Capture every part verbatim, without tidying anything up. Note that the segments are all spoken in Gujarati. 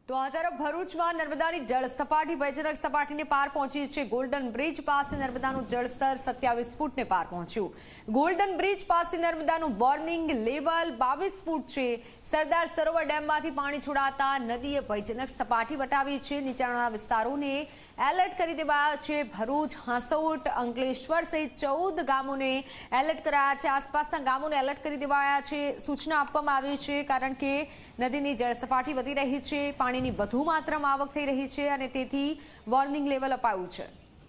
તો આ તરફ ભરૂચમાં નર્મદાની જળ સપાટી ભયજનક સપાટીને પાર પહોંચી છે। ગોલ્ડન બ્રિજ પાસે નર્મદાનું જળસ્તર સત્યાવીસ ફૂટને પાર પહોંચ્યું। ગોલ્ડન બ્રિજ પાસે નર્મદાનું વોર્નિંગ લેવલ બાવીસ ફૂટ છે। સરદાર સરોવર ડેમમાંથી પાણી છોડાતા નદીએ ભયજનક સપાટી વટાવી છે। નીચાણવાળા વિસ્તારોને એલર્ટ કરી દેવાયા છે। ભરૂચ, હાંસોટ, અંકલેશ્વર સહિત ચૌદ ગામોને એલર્ટ કરાયા છે। આસપાસના ગામોને એલર્ટ કરી દેવાયા છે। સૂચના આપવામાં આવી છે કારણ કે નદીની જળ સપાટી વધી રહી છે, પાણીની વધુ માત્રામાં આવક થઈ રહી છે અને તેથી વોર્નિંગ લેવલ અપાયું છે।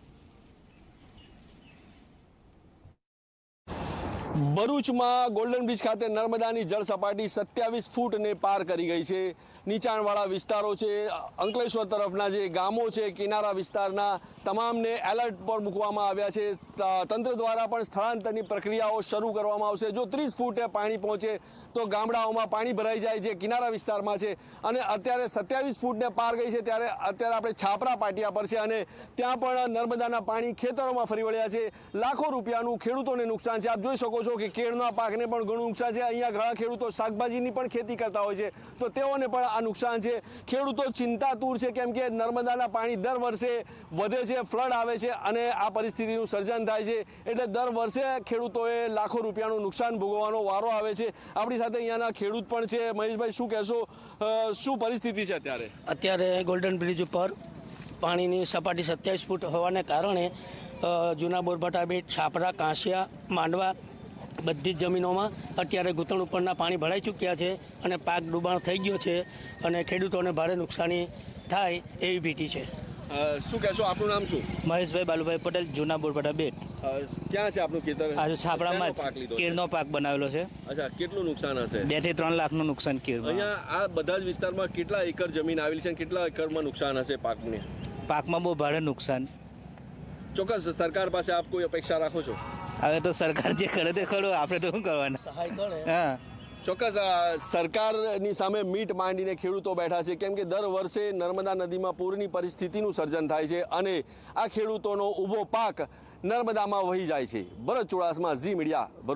ભરૂચમાં ગોલ્ડન બ્રિજ ખાતે નર્મદાની જળ સપાટી સત્યાવીસ ફૂટને પાર કરી ગઈ છે। નીચાણવાળા વિસ્તારો છે, અંકલેશ્વર તરફના જે ગામો છે, કિનારા વિસ્તારના તમામને એલર્ટ પર મૂકવામાં આવ્યા છે। તંત્ર દ્વારા પણ સ્થળાંતરની પ્રક્રિયાઓ શરૂ કરવામાં આવશે। જો ત્રીસ ફૂટે પાણી પહોંચે તો ગામડાઓમાં પાણી ભરાઈ જાય, જે કિનારા વિસ્તારમાં છે। અને અત્યારે સત્યાવીસ ફૂટને પાર ગઈ છે ત્યારે અત્યારે આપણે છાપરા પાટિયા પર છે અને ત્યાં પણ નર્મદાના પાણી ખેતરોમાં ફરી વળ્યા છે। લાખો રૂપિયાનું ખેડૂતોને નુકસાન છે। આપ જોઈ શકો છો કે કેળના પાકને પણ ઘણું નુકસાન છે। અહીંયા ઘણા ખેડૂતો શાકભાજીની પણ ખેતી કરતા હોય છે તો તેઓને પણ આ નુકસાન છે। ખેડૂતો ચિંતાતુર છે કેમ કે નર્મદાના પાણી દર વર્ષે વધે છે, ફ્લડ આવે છે અને આ પરિસ્થિતિનું સર્જન થાય છે। એટલે દર વર્ષે ખેડૂતોએ લાખો રૂપિયાનું નુકસાન ભોગવવાનો વારો આવે છે। આપણી સાથે અહીંયાના ખેડૂત પણ છે। મહેશભાઈ, શું કહેશો, શું પરિસ્થિતિ છે અત્યારે? અત્યારે ગોલ્ડન બ્રિજ ઉપર પાણીની સપાટી સત્યાવીસ ફૂટ હોવાને કારણે જૂના બોરભાટા બેટ, છાપરા, કાંસિયા, માંડવા બધી જ જમીનોમાં અત્યારે ઘૂંટણ ઉપરના પાણી ભરાઈ ચૂક્યા છે અને પાક ડૂબાણ થઈ ગયો છે અને ખેડૂતોને ભારે નુકસાની થાય એવી ભીતિ છે। શું કહેશો, આપનું નામ શું? મહેશભાઈ બાલુભાઈ પટેલ, જૂના બોરભાટા બેટ। ક્યાં છે આપનું ખેતર? આજે છાપરામાં જ કેળનો પાક બનાવેલો છે। અચ્છા, કેટલું નુકસાન હશે? બે થી ત્રણ લાખનું નુકસાન કેળમાં। અહીંયા આ બધા જ વિસ્તારમાં કેટલા એકર જમીન આવેલી છે અને કેટલા એકરમાં નુકસાન હશે પાકને? પાકમાં બહુ ભારે નુકસાન। ચોક્કસ સરકાર પાસે આપ કોઈ અપેક્ષા રાખો છો? હવે તો સરકાર જે કરે તે ખરો, આપણે તો શું કરવાના? સહાય કરે। હા, ચોક્કસ સરકારની સામે મીટ માંડીને ખેડૂતો બેઠા છે કેમ કે દર વર્ષે નર્મદા નદીમાં પૂરની પરિસ્થિતિનું સર્જન થાય છે અને આ ખેડૂતોનો ઊભો પાક નર્મદામાં વહી જાય છે। ભરત ચુડાસમા, ઝી મીડિયા।